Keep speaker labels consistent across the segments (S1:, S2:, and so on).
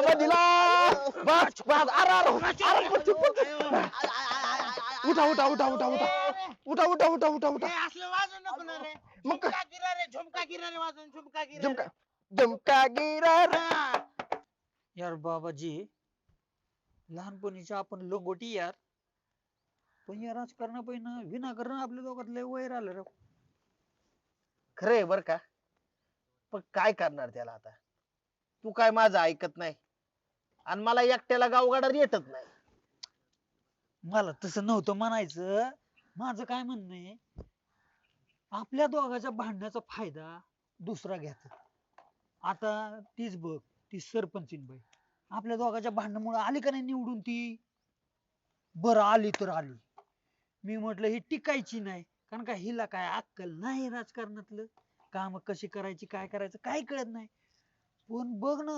S1: बाबा दिला बस बस उठा उठा उठा उठा उठा उठा उठा उठा उठा उठा
S2: असलं वाजू नको ना रे.
S1: मग काय?
S2: झुमका गिरा रे, झुमका गिरा रे वाजून, झुमका गिरा
S1: जमका
S2: रे.
S1: जमका गिरा रे.
S2: हा.
S3: यार बाबाजी लहानपणीच्या आपण लोंगोटी यार, पण या राजकारणापायी विनाकारण आपल्या दोघात लय वैर आलं रे.
S4: खरंय बर का, पण काय करणार त्याला आता. तू काय माझं ऐकत नाही आणि मला एकट्याला गावगाडा येतच नाही.
S3: मला तसं नव्हतं म्हणायचं, माझं काय म्हणणं आहे, आपल्या दोघांच्या भांडण्याचा फायदा दुसरा घ्यायचा. आता तीच बघ, ती सरपंचीन बाई आपल्या दोघांच्या भांडणामुळे आली का नाही निवडून ती. बरं आली तर आली, मी म्हटलं ही टिकायची नाही, कारण का हिला काय अक्कल नाही राजकारणातलं, काम कशी करायची काय करायचं काय कळत नाही. पण बघ ना,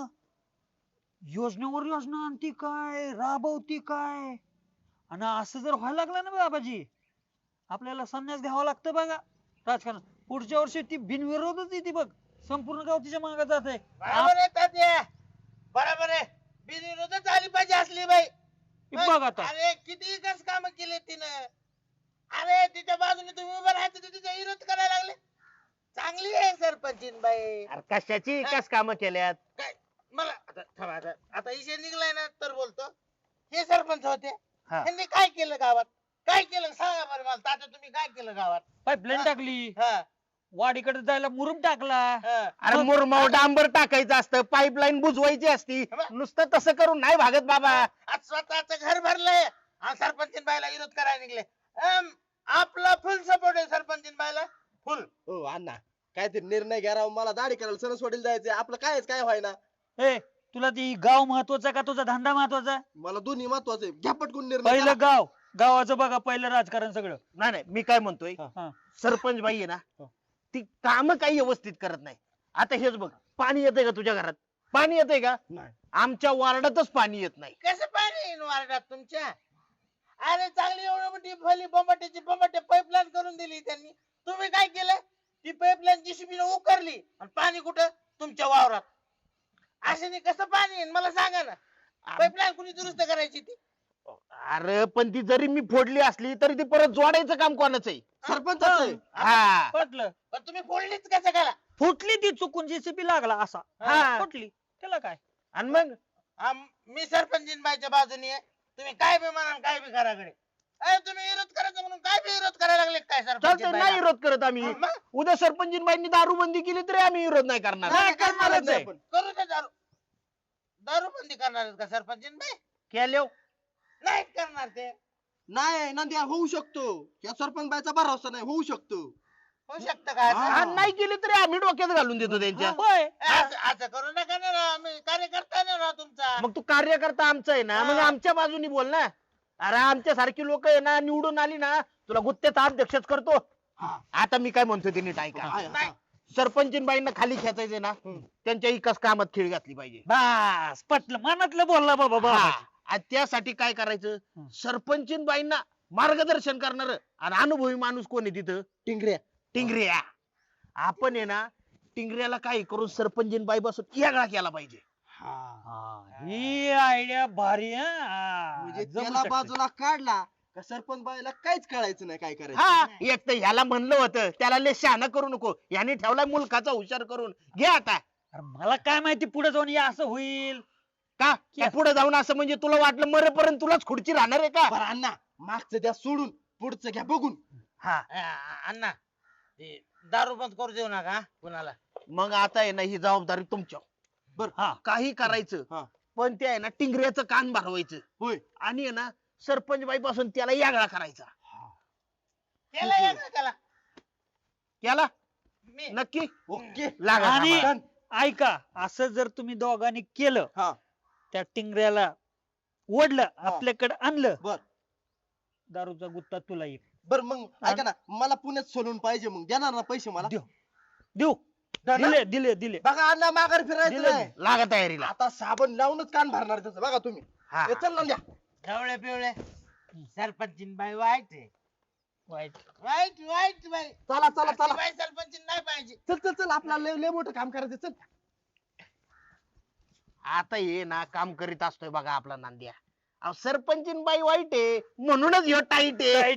S3: योजनेवर योजना आणती काय, राबवती काय. आणि असं जर व्हायला लागलं ना बाबाजी, आपल्याला संन्यास घ्यावा लागतं बघा राजकारण. पुढच्या वर्षी ती बिनविरोधच येते बघ, संपूर्ण गाव तिच्या मागे जात आहे.
S2: बरोबर आहे तात्या, बरोबर आहे. बिनविरोधच झाली पाहिजे असली बाई.
S3: बघ आता
S2: अरे किती विकास काम केले तिनं. अरे तिच्या बाजूने तुम्ही उभं राहायचं, तर तिचा विरोध करायला लागले. चांगली आहे सरपंचीन बाई.
S4: अरे कशाची कस काम केल्यात.
S2: काय मला आता थांबा, आता विषय निघलाय ना तर बोलतो. हे सरपंच होते,
S4: हा.
S2: त्यांनी काय केलं गावात, काय केलं सांगा बरं मला तात्या, तुम्ही काय केलं गावात.
S3: पाईपलाईन टाकली,
S2: हा,
S3: वाडीकडे जायला मुरुम टाकला.
S2: हा.
S4: अरे मुरमाव डांबर टाकायचं असतं, पाईपलाईन बुजवायची असती. नुसतं तसं करून नाही भागत बाबा.
S2: आज स्वतःच घर भरलंय आणि सरपंचीन बाईला विरोध करायला निघले. आपला फुल सपोर्ट आहे सरपंचीन बाईला, फुल.
S1: हो अण्णा, काहीतरी निर्णय घ्या राव. मला दाढी करायला सणसवाडीला जायचंय. आपलं कायच काय व्हायना.
S3: ए तुला ती गाव महत्वाचा का तुझा धंदा महत्वाचा.
S1: मला दोन्ही महत्वाचं आहे. घ्या पटकून निर्णय
S3: पहिलं
S1: करा.
S3: गाव, गावाचं बघा पहिलं राजकारण सगळं.
S4: नाही नाही, मी काय म्हणतोय,
S3: हा.
S4: सरपंच बाई आहे ना, ती काम काही व्यवस्थित करत नाही. आता हेच बघ, पाणी येतंय का तुझ्या घरात, पाणी येतंय का.
S1: नाही.
S4: आमच्या वार्डातच पाणी येत नाही.
S2: कसं पाणी येईन वार्डात तुमच्या. अरे चांगली एवढी मोठी फली बंबाटे पाईपलाईन करून दिली त्यांनी. तुम्ही काय केलं, ती पाईपलाईन जीसीबी उकरली आणि पाणी कुठं तुमच्या वावरात. अशाने कसं पाणी येईन मला सांगा ना. पाईपलाईन कुणी दुरुस्त करायची ती.
S4: अरे पण ती जरी मी फोडली असली तरी ती परत जोडायचं काम कोणाचं आहे.
S1: सरपंचाचं आहे.
S4: हा,
S3: पटलं,
S2: पण तुम्ही फोडलीच कसं करा.
S3: फुटली ती चुकून जेसीबी लागला असा.
S4: हा.
S3: फुटली त्याला काय.
S4: आणि मग
S2: मी सरपंचीन बाईच्या बाजूने आहे. तुम्ही काय बी म्हणा काय बी करा कडे. तुम्ही विरोध करायचा म्हणून काय बी विरोध करायला लागले काय
S4: चालतंय,
S2: सरपंच
S4: नाही विरोध करत आम्ही.
S2: मग?
S4: उद्या सरपंचीनबाईंनी दारूबंदी केली तरी आम्ही विरोध नाही करणार.
S3: नाही करणारच आहे.
S1: आपण.
S2: करू दे दारू. दारू बंदी करणार आहेत का सरपंचीन बाई.
S4: केल्या
S2: नाही करणार ते.
S1: नाही नंद्या, होऊ शकतो. या सरपंच बाईचा भरोसा नाही, होऊ शकतो.
S2: होऊ शकतं का असं?
S1: हा.
S4: नाही केली तरी आम्ही डोक्यात घालून देतो त्यांच्या.
S3: होय.
S2: असं करू नका ना राव. मी कार्यकर्ता नाही राव तुमचा.
S4: मग तू कार्यकर्ता आमचा आहे ना, मग आमच्या बाजूनी बोल ना. अरे आमच्या सारखी लोक आहे ना, निवडून आली ना तुला गुत्त्याचा अध्यक्षच करतो.
S1: हा.
S4: आता मी काय म्हणतोय ते नीट ऐका.
S1: आहे,
S2: नाही.
S4: सरपंचीनबाईंना खाली खेचायचे ना, त्यांच्या इकास कामात खीळ घातली पाहिजे.
S3: बस पटलं, मनातलं बोलला बाबा बाबा.
S4: हा. आणि त्यासाठी काय करायचं, सरपंचीनबाईंना मार्गदर्शन करणार आणि अनुभवी माणूस कोण आहे तिथं,
S1: टिंगऱ्या.
S4: टिंगऱ्या. आपण आहे ना टिंगऱ्याला काय करून सरपंचीनबाई बसून येगळा केला पाहिजे.
S3: ही आयडिया भारी आहे, हा.
S1: म्हणजे
S3: जमू
S1: त्याला
S3: शकते.
S1: बाजूला काढला का सरपंच बाईला काहीच कळायचं नाही काय करायचं.
S4: हा, एक तर ह्याला म्हणलं होतं त्याला लय शहाणा करू नको, याने ठेवलाय मुलकाचा हुशार करून. घे आता.
S3: अरे मला काय माहिती पुढे जाऊन हे असं होईल.
S4: का पुढे जाऊन असं म्हणजे तुला वाटलं मरेपर्यंत तुलाच खुर्ची राहणार आहे का.
S1: बरं अण्णा, मागचं द्या सोडून, पुढचं घ्या बघून.
S4: हा,
S2: अण्णा ते दारू बंद करू देऊ नका कुणाला.
S4: मग आता आहे ना ही जबाबदारी तुमच्या. बर,
S3: हा.
S4: काही करायचं
S1: हा.
S4: पण ते आहे ना टिंगऱ्याचं कान भरवायचं
S1: होय.
S4: आणि आहे ना सरपंच बाई पासून त्याला यागळा करायचा.
S2: केला एक केला
S4: याला
S2: मी.
S4: नक्की
S1: ओके.
S4: लागा
S3: आणि
S4: कामाला.
S3: ऐका, असं जर तुम्ही दोघांनी केलं,
S1: हा.
S3: त्या टिंगऱ्याला ओढलं, आपल्याकडे आणलं,
S1: बर
S3: दारूचा गुत्ता तुला येईल.
S1: बर मग ऐका ना, मला पुण्यात सोलून पाहिजे. मग देणार ना पैसे मला.
S3: देऊ देऊ.
S1: ना?
S3: दिले दिले दिले.
S1: बघा अण्णा, माघार फिरायचं
S3: दिलं
S1: नाही.
S4: लागा तयारीला.
S1: आता साबण लावूनच कान भरणार त्याचं, बघा तुम्ही.
S4: हा.
S1: हे चल ना द्या.
S2: ढवळे पिवळे सरपंचीन बाई वाईट आहे.
S3: वाईट.
S2: वाईट वाईट बाई.
S1: चला चला
S2: अशी
S1: चला.
S2: बाई सरपंचीन नाही पाहिजे.
S1: चल चल चल, आपल्याला लय लय मोठं काम करायचं. चल.
S4: आता हे ना काम करीत असतोय बघा आपला नांद्या. अहो सरपंचीन बाई वाईट आहे म्हणूनच ह्यो टाईट आहे.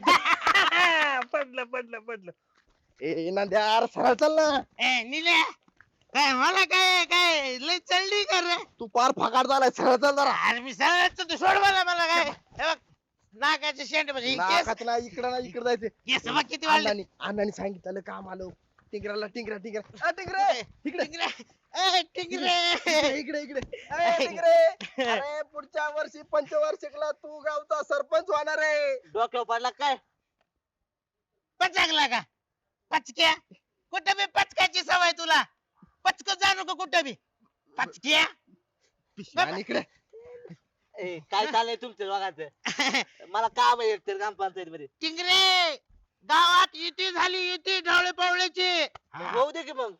S3: पडलं
S1: ए नांद्या अरे सरळ चल ना.
S2: ए निल्या काय मला काय काय लय चढली कर रे.
S1: तू पार फकाट झालाय सरळ चल जरा.
S2: अरे मी सरळ तू सोड मला काय हे बघ नाकाचे शेंड म्हणजे केस
S1: नाकात नाही इकडं नाही इकडे जायचं.
S2: केस बघ किती वाढले.
S1: अण्णांनी सांगितलं काम आलो. टिंगराला टिंगरा टिंगरे इकडे
S2: टिंगरे
S1: इकडे इकडे ए, टिंगरे अरे पुढच्या वर्षी पंचवार्षिकला तू गावचा सरपंच होणार आहे.
S2: डोक्यावर पडला काय पचकला का पचक्या कुठं बी पचकायची सवय तुला पचक जाणू का कुठं बी पचक्या
S1: आणि इकडे
S5: काय चाललंय तुमच्या दोघांचं मला काम आहे एकतर ग्रामपंचायत मध्ये
S2: टिंगरे गावात युती झाली युती ढवळे पवळेची
S5: होऊ दे की मग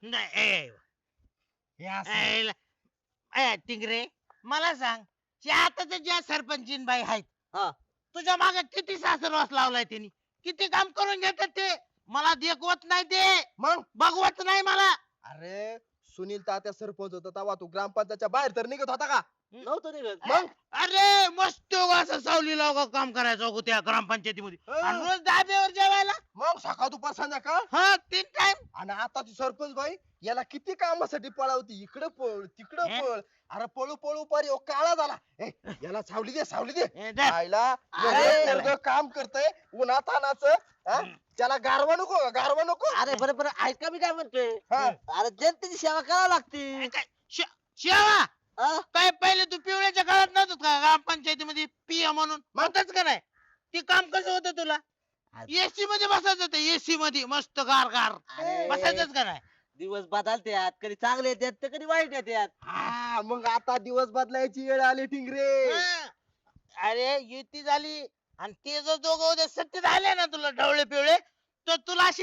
S2: टिंगरे मला सांग जे आताच ज्या सरपंचीन बाई आहेत
S5: हा.
S2: तुझ्या मागे किती सासरवास लावलाय त्यांनी किती काम करून घेतात ते मला देखवत नाही ते
S1: मग
S2: बघवत नाही मला
S1: अरे सुनील तात्या सरपंच होता तेव्हा तू ग्रामपंचायतच्या बाहेर तर निघत होता का?
S5: नव्हतं निघत
S1: मग
S2: अरे मस्त असं सावली लाव काम करायचं अगो त्या ग्रामपंचायतीमध्ये आणि रोज धाब्यावर जेवायला
S1: मग सकाळ दुपार संध्याकाळ
S2: हा 3 टाइम
S1: आणि आता ती सरपंच बाई याला किती कामासाठी पळावती इकडे पळ तिकडे
S2: हे?
S1: पळ अरे पळू पळू पार ह्यो काळा झाला ए, याला सावली दे सावली दे आईला
S5: अरे.
S1: एवढं पोरगं काम करतय उन्हातानाचं हा? त्याला गारवा नको का? गारवा नको
S5: अरे बरं बरं ऐका मी काय म्हणतोय
S1: हा.
S5: अरे जनतेची सेवा करावी लागते
S2: शेवा
S5: हा?
S2: काय पहिले तू पिवळ्याच्या काळात नव्हतं का ग्रामपंचायतीमध्ये पिया म्हणून म्हणतच का नाही ते काम कसं होतं तुला एसी मध्ये बसायचं होतं एसी मध्ये मस्त गार गार
S5: अरे,
S2: बसायचंच का नाही
S5: दिवस बदलत्यात कधी चांगले येतात तर कधी वाईट येतात
S1: हा मग आता दिवस बदलायची वेळ आली टिंगरे
S2: हा. अरे युती झाली आणि ते जर दोघं उद्या सत्य झाले ना तुला ढवळे पिवळे तर तुला अशी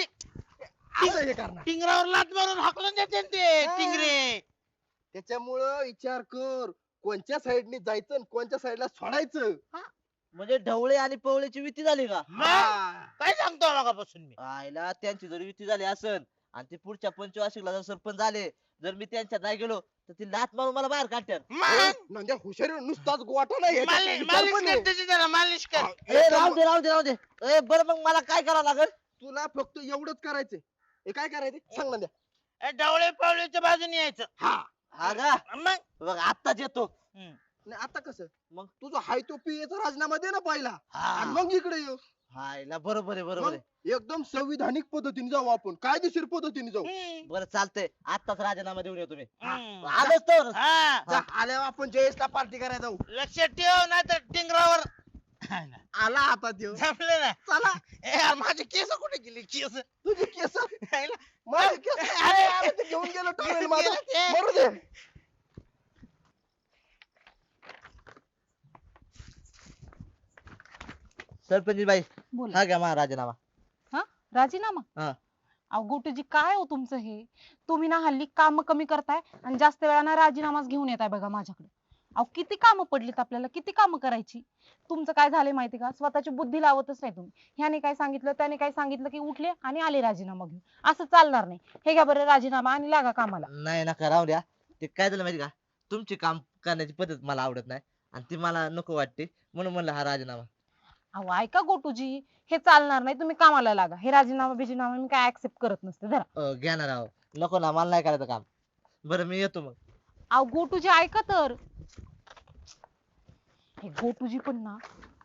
S1: असं हे करणार
S2: टिंगरावर लात मारून हाकलून देते ना ते
S1: हा.
S2: टिंगरे
S1: त्याच्यामुळं विचार कर कोणत्या साईडने जायचं आणि कोणत्या साईडला सोडायचं
S5: म्हणजे ढवळे आणि पवळेची युती झाली का
S2: मग
S1: हा.
S2: काय सांगतो मगापासून मी
S5: आईला त्यांची जर युती झाली असन आणि ते पुढच्या पंचवार्षिकला जर सरपंच झाले जर मी त्यांच्यात नाही गेलो तर ती लात मारून मला बाहेर काढतात
S2: मग
S1: नंद्या हुशारी नुसताच गोटा नाही याच्यात
S2: मालिश
S1: विचार
S2: मालिश
S1: पण
S2: कर
S1: आहे.
S2: त्याची जरा मालिश कर
S5: ए राहू दे राहू दे राहू दे ए बरं मग मला काय करावं लागेल
S1: तुला फक्त एवढंच करायचंय हे काय करायचं सांग नंद्या
S2: ए, ढवळे पवळेच्या बाजूने यायचं
S1: हा
S5: हा का
S2: मग
S5: बघ आत्ताच येतो
S1: नाही आता कसं
S5: मग?
S1: तुझा हाय तो पीएचा राजीनामा दे ना पहिला
S2: हा.
S1: आणि मग इकडे येऊ
S5: हायला बरोबर आहे बरोबर
S1: मग
S5: आहे
S1: एकदम संविधानिक पद्धतीने जाऊ आपण कायदेशीर पद्धतीने जाऊ
S2: हम्म.
S5: बरं चालतंय आत्ताच राजीनामा देऊन येतो मी
S2: हम्म.
S5: आलोच तर
S2: हा.
S1: जा, आल्यावर आपण जयेशला पार्टी करायला जाऊ
S2: लक्षात ठेव नाही तर टिंगरावर
S1: आला आता देऊ
S2: जमले ना
S1: चला
S2: ए यार, माझे केस कुठे गेले केस
S1: तुझी केस
S2: हायला.
S1: माझे केस अरे अरे ते घेऊन गेलो टॉवेल माझा
S2: गेलं ते.
S1: मरू दे
S5: सरपंच बाई
S6: बोला
S5: हा घ्या माझा राजीनामा
S6: हा राजीनामा
S5: हा.
S6: अहो गोटूजी काय हो तुमचं हे तुम्ही ना हल्ली काम कमी करताय आणि जास्त वेळा राजीनामाच घेऊन येताय बघा माझ्याकडे अहो किती कामं पडलीत आपल्याला किती कामं करायची तुमचं काय झालंय माहिती का स्वतःची बुद्धी लावतच नाही तुम्ही ह्याने काय सांगितलं त्याने काय सांगितलं की उठले आणि आले राजीनामा घेऊन असं चालणार नाही हे घ्या बरं राजीनामा आणि लागा कामाला
S5: नाही नका राहू द्या ते काय झालं माहिती का तुमची काम करण्याची पद्धत मला आवडत नाही आणि ती मला नको वाटते म्हणून म्हणलं हा राजीनामा
S6: अहो ऐका गोटूजी हे चालणार नाही तुम्ही कामाला लागा हे राजीनामा बिजीनामा मी काय ऍक्सेप्ट करत नसते जरा
S5: घ्या ना राव नको ना मला नाही करायचं काम बरं मी येतो मग
S6: अहो गोटूजी ऐका तर हे गोटूजी पण ना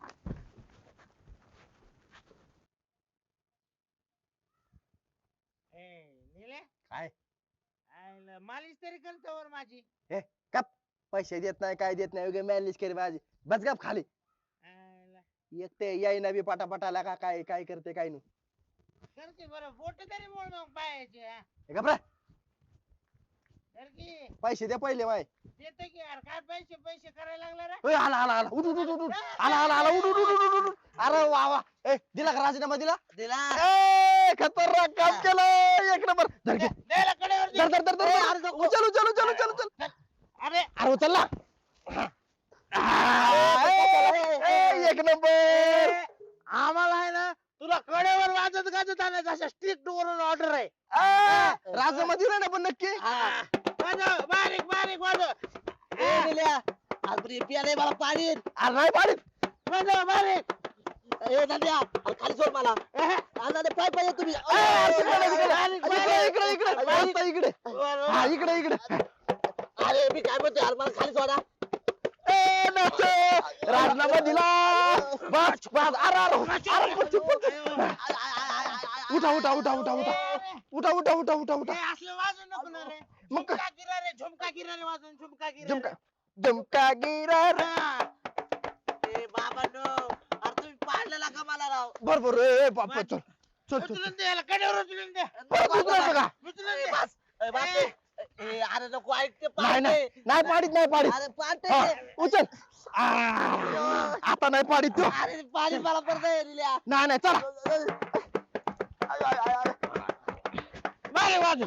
S1: काय?
S2: मालिश तरी करतो वर माझी
S1: पैसे देत नाही काय देत नाही उगे मॅनेज केली माझी बस गप खाली एक ते यायना बी पटापटाला का काय काय करते काय नाही
S2: करते बरं बोट तरी मोड मग पायाचे
S1: हे गप रे,
S2: कर की
S1: पैसे दे पहिले माय
S2: देतो की यार काय पैसे पैसे करायला लागला रे
S1: ओय, आला आला आला उठ उठ उठ उठ उठ. आला आला आला उठ उठ उठ उठ उठ, उठ. अरे वा वा ए दिला का राजीनामा दिला
S5: दिला
S1: ए खतरनाक काम केलं एक नंबर धर घे
S2: द्यायला कडेवर दे.
S1: धर धर धर धर
S5: अरे,
S1: धर. उचल उचल उचल उचल उचल
S2: अरे
S1: अरे उचल ना एक नंबर
S2: आम्हाला आहे ना तुला कडेवर वाजत गाजत आणायचं अशा स्ट्रिक्ट वरून ऑर्डर आहे
S1: राजीनामा दिला ना पण नक्की
S2: वाजव बारीक बारीक वाजव
S5: झाल्या आज पियाले मला पाणी
S1: अरे नाही पाडीत
S5: ए झाल्या खाली सोड मला अरे पाय पाहिजे तुम्ही
S1: इकडे इकडे इकडे हा इकडे इकडे
S5: अरे मी काय म्हणतोय यार मला खाली सोडा
S1: ए नाचो राजीनामा दिला बस बस अरे उठा उठा उठा उठा उठा उठा उठा उठा उठा उठा
S2: हे असलं वाजू नको ना रे
S1: मग काय?
S2: झुमका गिरा रे वाजून झुमका गिरा
S1: जमका जमका गिरा
S5: ए बाबा नो अरे तुम्ही पाडलेला का मला राव
S1: बरोबर ए बापा चल चल चल
S2: उचलून दे याला कड्यावर उचलून दे
S1: परत उतरायचं का
S2: उचलून
S5: ए,
S2: दे
S5: बस ए, बस ए. ए, अरे नको ऐकते
S1: नाही नाही नाही पाडीत नाही पाडीत
S5: अरे पाडते
S1: हा, उचल आ, आता नाही पाडीत तो
S5: अरे पाणी मला परत रिल्या
S1: नाही नाही चला
S2: मारे वाजून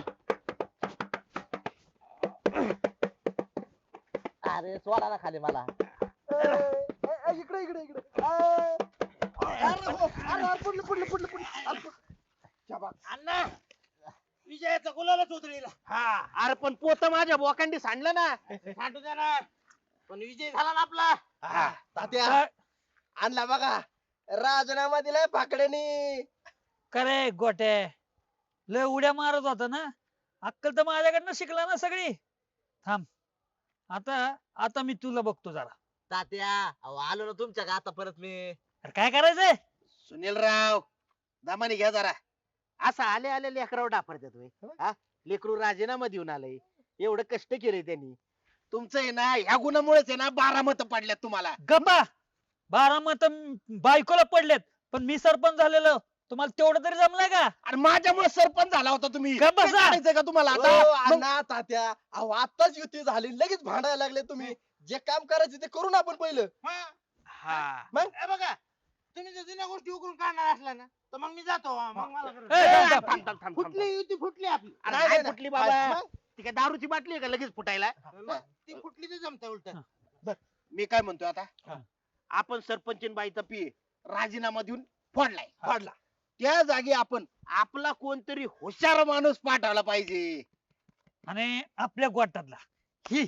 S5: अरे सोडा ना खाली मला
S1: इकडे इकडे इकडे पडलं पडलं पडलं पडलं
S2: अण्णा विजयाचा गुलालच उतरीला
S4: हा अरे पण पोत माझ्या बोकांडी सांडलं ना
S2: सांडू दे ना पण विजय झाला ना आपला
S1: तात्या आणला बघा राजीनामा दिलाय पाकड्यानी
S3: करे गोटे लय उड्या मारत होता ना अक्कल तर माझ्याकडनं शिकला ना सगळी थांब आता आता मी तुला बघतो जरा
S5: तात्या अहो आलो ना तुमच्या का आता परत मी
S3: अरे काय करायचंय
S4: सुनील राव दमानी घ्या जरा असं आले आले लेकराव डाफरतात तुम्ही हा लेकरू राजीनामा देऊन आलंय एवढं कष्ट केले त्यांनी तुमचं आहे ना ह्या गुणामुळेच आहे ना 12 मत पडल्यात तुम्हाला
S3: गप्पा 12 मत बायकोला पडलेत पण मी सरपंच झालेलो तुम्हाला तेवढं तरी जमलंय का
S4: आणि माझ्यामुळे सरपंच झाला होता तुम्ही
S3: गप्प बसा.
S4: ते काढायचंय का तुम्हाला
S1: हो,
S4: आता मग
S1: अण्णा तात्या अहो आताच युती झाली लगेच भांडायला लागले तुम्ही जे काम करायचे ते करू ना आपण पहिलं
S4: हा
S1: मग
S2: हे बघा तुम्ही जर जुन्या गोष्टी उकरून काढणार असला ना तर मग मी जातो मग मला
S3: ए,
S2: करू.
S3: थांब, थांब,
S4: थांब, थांब,
S2: फुटली युती फुटली आपली
S4: अरे
S1: नाही,
S4: नाही
S1: नाही,
S4: फुटली
S1: नाही.
S4: बाबा
S1: मग?
S4: ती काय दारूची बाटली आहे का लगेच फुटायला
S2: मग ती फुटली तर जमत उलट
S4: मी काय म्हणतोय आता
S3: हा.
S4: आपण सरपंच बाईचा पी राजीनामा देऊन फोडलाय
S1: फाडला
S4: त्या जागी आपण आपला कोणतरी हुशार माणूस पाठवला पाहिजे
S3: आणि आपल्या गोटातला ही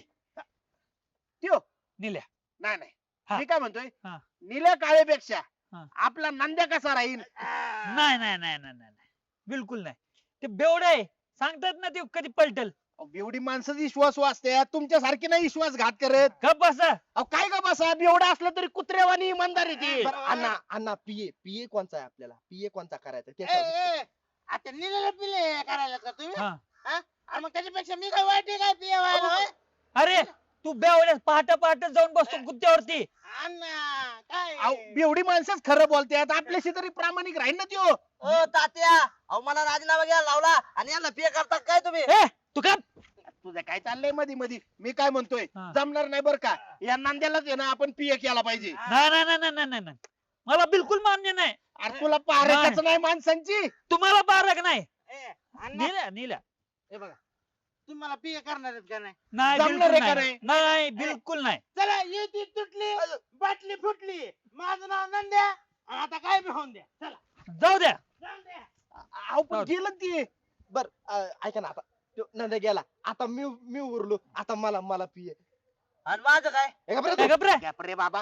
S4: त्यो
S3: निल्या
S4: नाही नाही
S3: हा.
S4: मी काय म्हणतोय
S3: हा.
S4: निळ्या काळेपेक्षा
S3: हा.
S4: आपला नंद्या कसा राहील
S3: नाही नाही नाही नाही नाही बिलकुल नाही ते बेवडे आहे सांगतात ना ते कधी पलटल
S4: एवढी माणसं विश्वास वाचते तुमच्यासारखी नाही विश्वासघात करत
S3: गप बसा
S4: अहो काय का बसा एवढं असलं तरी कुत्रेवानी इमानदार येते
S1: बरं, अण्णा अण्णा पीए पीए कोणचा आहे आपल्याला पीए कोणचा करायचा ते
S2: ए,
S1: सांगा.
S2: ए, आता निलेला पिले करायला का तुम्ही
S3: हा
S2: हा? आणि मग त्याच्यापेक्षा मी काय वाईट आहे काय पिया व्हायला होय?
S3: अरे तू बेवड्या पहाटे पहाटे जाऊन बसतो गुत्त्यावरती
S2: अण्णा काय
S4: एवढी माणसंच खरं बोलतात आपल्याशी तरी प्रामाणिक राहील ना त्यो
S5: ओ तात्या अहो मला राजीनामा घ्यायला लावला आणि यांना पे करतात काय तुम्ही
S3: ए तू का
S4: तुझं काय चाललंय मध्ये मध्ये मी काय म्हणतोय
S3: हा.
S4: जमणार नाही बरं का या नांद्यालाच आहे ना आपण पीए केला पाहिजे
S3: नाही नाही नाही नाही नाही नाही मला बिलकुल मान्य नाही
S4: अरे तुला पारखच नाही माणसांची
S3: तुम्हाला बारक नाही
S2: ए, अण्णा
S3: निल्या निल्या
S2: हे बघा तुम्ही मला पिया करणार आहेत का नाही
S3: नाही
S4: जमणार
S3: बिलकुल
S4: आहे का
S3: नाही नाही बिलकुल नाही
S2: चला युती तुटली बाटली फुटली माझं नाव नंद्या आणि आता काय बी होऊन द्या चला
S3: जाऊ द्या
S2: जाऊन द्या
S4: अहो पण गेलं ते
S1: बर ऐका ना आता त्यो नंद्या गेला आता मी उरलो आता मला मला पीए
S5: आणि माझं काय
S3: ए, गप रे.
S4: गॅप रे बाबा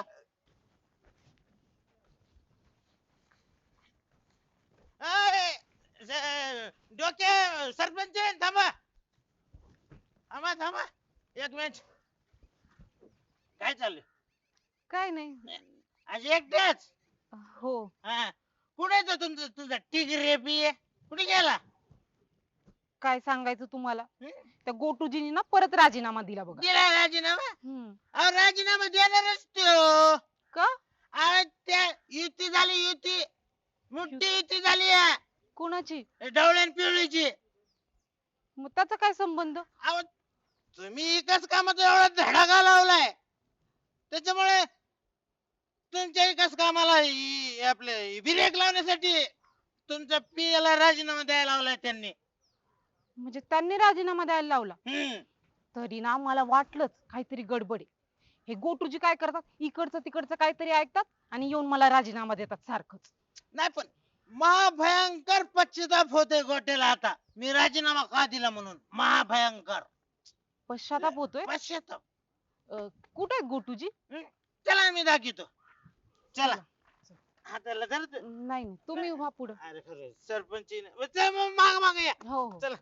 S2: डोके सरपंच थांबा थांबा थांबा एक मिनिट काय चाललंय
S6: काय नाही
S2: आज एकट्याच
S6: हो
S2: हा कुठे तो तुमचं तुझा टिगरे पिये कुठे गेला
S6: काय सांगायचं तुम्हाला
S2: हं?
S6: त्या गोटूजीनी ना परत राजीनामा दिला बघा
S2: दिला राजीनामा
S6: हम्म.
S2: अहो राजीनामा देणारच तो
S6: का
S2: अहो त्या युती झाली युती मोठी युती झाली या
S6: कोणाची
S2: ढवळ्यान पिवळीची
S6: मग त्याचा काय संबंध
S2: अहो तुम्ही एकाच कामाचा एवढा धडाका लावलाय त्याच्यामुळे तुमच्या एकाच कामाला आपले ब्रेक लावण्यासाठी तुमच्या पियाला राजीनामा द्यायला लावलाय त्यांनी
S6: म्हणजे त्यांनी राजीनामा द्यायला लावला
S2: हम्म.
S6: तरी ना मला वाटलंच काहीतरी गडबड आहे हे गोटूजी काय करतात इकडचं तिकडचं काहीतरी ऐकतात आणि येऊन मला राजीनामा देतात सारखंच
S2: नाही पण महाभयंकर पश्चाताप होते गोट्याला आता मी राजीनामा का दिला म्हणून महाभयंकर
S6: पश्चाताप होतोय
S2: पश्चाताप
S6: कुठे आहेत गोटूजी?
S2: चला मी दाखवतो. चला हाताला धर.
S6: नाही नाही, तुम्ही व्हा पुढे.
S2: अरे खरं सरपंच माग माग या.
S6: हो हो
S2: चला.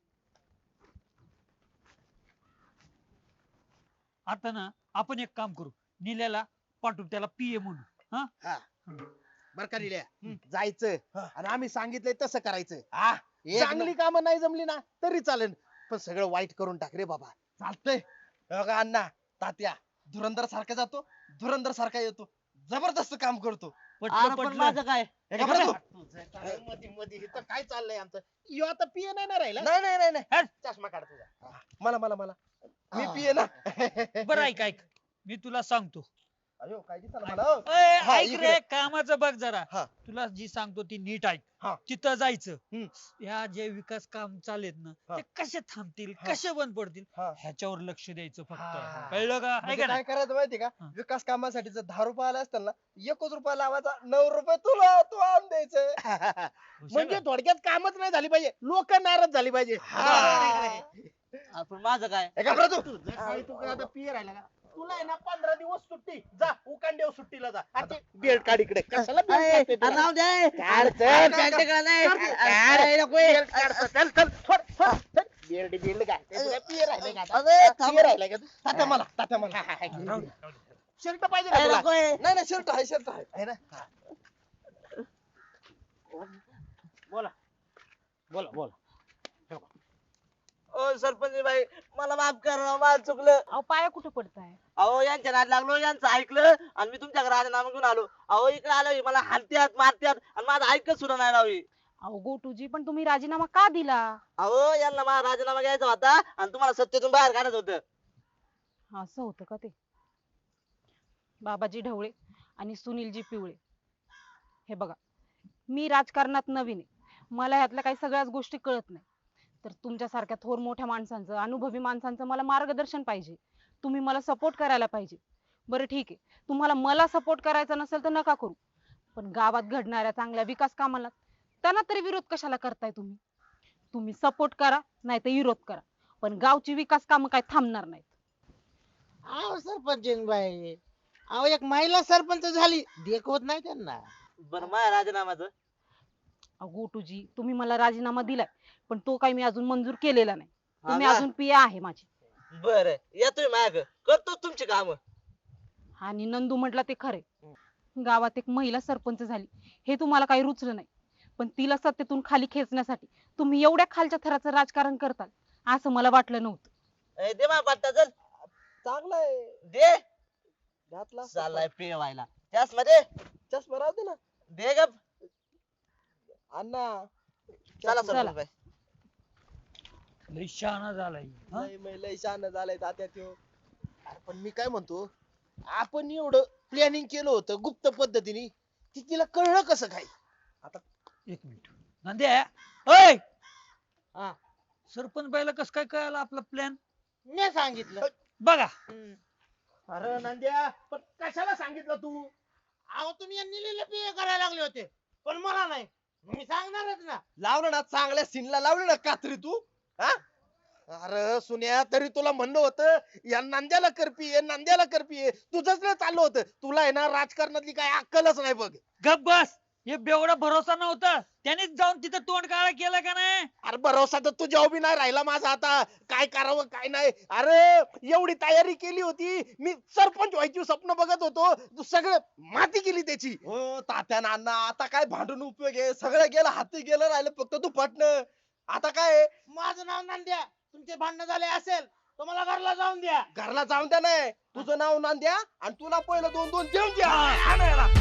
S3: आता ना आपण एक काम करू, निल्याला पाठवू त्याला पीए म्हणून.
S4: बर का लिल्या जायचं आणि आम्ही सांगितलंय तसं करायचं.
S1: एक
S4: चांगली कामं नाही जमली ना तरी चालेल, पण सगळं वाईट करून टाक रे बाबा.
S1: चालतंय. बघा अण्णा, तात्या धुरंदर सारखा जातो, धुरंदर सारखा येतो, जबरदस्त काम करतो.
S3: पटलं
S5: अरे पण
S3: पटलं.
S5: माझं काय?
S1: हे का बरं तू?
S4: तुझं काय मध्ये मध्ये इथं काय चाललंय आमचं? यो आता पिये नाही ना राहिला.
S1: नाही नाही नाही नाही,
S4: चष्मा काढ तुझा.
S1: मला मला मला मी पिये ना.
S3: बरं ऐक ऐक, मी तुला सांगतो.
S1: अयो काय दिसलं मला हो.
S3: ए,
S1: हा,
S3: ऐक
S1: इकडे.
S3: रे, कामाचं बघ जरा.
S1: हा.
S3: तुला जी सांगतो ती नीट ऐक.
S1: हा.
S3: तिथं जायचं.
S1: हम्म.
S3: या जे विकास काम चालेत ना,
S1: हा.
S3: ते कसे थांबतील,
S1: हा.
S3: कसे बंद पडतील,
S1: हा.
S3: ह्याच्यावर लक्ष द्यायचं
S1: हा.
S3: फक्त. कळलं का?
S1: म्हणजे
S3: ऐका ना.
S1: काय करायचं माहिती का,
S3: हा.
S1: विकास कामासाठी जर 10 रुपये आले असतील ना, 1 रुपया लावायचा, 9 रुपये तुला तू आणून द्यायचं.
S4: म्हणजे थोडक्यात कामच नाही झाली पाहिजे, लोक नाराज झाली पाहिजे.
S5: आपण माझं काय?
S1: हे का बरं तू?
S4: तुझं काय तू काय आता पिये राहिला का? तुला आहे ना 15 दिवस सुट्टी. जा उकांडेव सुट्टीला जा. आणि ते बेल्ट काढ इकडे. कशाला बेल्ट
S5: अरे,
S4: काढते
S5: अरे
S4: तुला?
S5: राहू दे.
S4: काढ, चल,
S5: अरे,
S4: काढ,
S5: पॅन्ट
S4: काढ.
S5: का नाही?
S4: काढ,
S5: अरे, नको आहे.
S4: बेल्ट काढ, चल चल सोड, सोड, चल. बेल्ट घालते. तुला पिये राहिले का आता?
S5: अरे, थांब.
S4: पिये राहिले का तू?
S1: तात्या मला, तात्या मला.
S3: राहू दे, राहू दे.
S4: शर्ट पाहिजे का
S5: अरे,
S4: तुला?
S5: नको आहे.
S1: नाही नाही, शर्ट आहे, शर्ट आहे.
S4: आहे ना? बोला बोला बोला.
S5: ओ सरपंच बाई, मला माफ करा, माझं चुकलं.
S6: अहो पाया कुठे पडताय?
S5: अहो यांच्या नाद लागलो, यांचं ऐकलं आणि मी तुमच्या घरात नाम घेऊन आलो. अहो इकडे आलो, मला हाणत्यात मारत्यात आणि माझं ऐकत सुद्धा नाही राहावी.
S6: अहो गोटूजी, पण तुम्ही राजीनामा का दिला?
S5: अहो यांना माझा राजीनामा घ्यायचा होता आणि तुम्हाला सत्तेतून बाहेर काढायचं होतं.
S6: असं होतं का ते? बाबाजी ढवळे आणि सुनीलजी पिवळे, हे बघा, मी राजकारणात नवीन आहे, मला ह्यातल्या काही सगळ्याच गोष्टी कळत नाही. तर तुमच्यासारख्या थोर मोठ्या माणसांचं, अनुभवी माणसांचं मला मार्गदर्शन पाहिजे. तुम्ही मला सपोर्ट करायला पाहिजे. बरं ठीक आहे, तुम्हाला मला सपोर्ट करायचा नसेल तर नका करू, पण गावात घडणाऱ्या चांगल्या विकास कामाला त्यांना तरी विरोध कशाला करताय तुम्ही? तुम्ही सपोर्ट करा नाही तर विरोध करा, पण गावची विकास कामं काय थांबणार नाहीत.
S2: अहो सरपंच बाई, अहो एक महिला सरपंच झाली, देखवत नाही त्यांना.
S5: बरं माझ्या राजीनामाचं?
S6: अहो गोटूजी, तुम्ही मला राजीनामा दिलाय, पण तो काही मी अजून मंजूर केलेला नाही. तुम्ही
S5: हा का?
S6: अजून पिया आहे माझी.
S5: बरं या तुम्ही माझ्या करतो तुमची काम.
S6: आणि नंदू म्हटलं ते खरे, गावात एक महिला सरपंच झाली हे तुम्हाला काही रुचलं नाही, पण तिला सत्तेतून खाली खेचण्यासाठी तुम्ही एवढ्या खालच्या थराचं राजकारण करताल असं मला वाटलं नव्हतं.
S5: दे माझा पट्टा चल.
S1: चांगला आहे.
S5: दे.
S1: घातला
S5: चाललाय पेवायला त्यास मध्ये.
S1: चष्मा राहू दे ना.
S5: दे गप.
S1: अण्णा
S5: चला
S6: चला.
S5: सरपंच बाई.
S3: लय शहाणा झालाय. हा?
S1: लय शहाणा झालाय तात्या त्यो.
S4: अरे पण मी काय म्हणतो, आपण एवढं प्लॅनिंग केलं होतं गुप्त पद्धतीने, ती तिला कळलं कसं काय?
S3: एक मिनिट नंद्या, ओय
S2: हा.
S3: सरपंच बाईला कस काय कळालं आपला प्लॅन?
S2: मी सांगितलं.
S3: बघा.
S4: अरे नंद्या, पण कशाला सांगितलं तू?
S2: अहो तुम्ही यांनी लिहिलं पिये करायला लागले होते, पण मला नाही. मी सांगणारच ना.
S1: लावलं ना चांगल्या सीनला, लावलं ना कात्री तू. हा
S4: अरे सुन्या, तरी तुला म्हणलं होतं या नांद्याला करपी नांद्याला करपी, तुझंच नाही चाललं होतं. तुला आहे ना राजकारणातली काय अक्कलच नाही बघ.
S3: गप बस. हे बेवडा भरोसा नव्हता, त्यानेच जाऊन तिथं तोंड काळा केलं का नाही?
S4: अरे भरोसा तर तुझ्या उभी नाही राहिला माझा आता. काय करावं काय नाही. अरे एवढी तयारी केली होती मी, सरपंच व्हायची स्वप्न बघत होतो, तू सगळं माती केली त्याची.
S1: हो तात्या ना अण्णा, आता काय भांडून उपयोग आहे? सगळं गेलं, हाती गेलं, राहिलं फक्त तू पटणं. आता काय आहे?
S2: माझं नाव नांद्या, तुमचे भांडण झाले असेल तर मला घरला जाऊन द्या.
S1: घरला जाऊन द्या. नाही तुझं नाव नांद्या आणि तुला पहिलं 2-2 देऊन द्या.
S3: हा,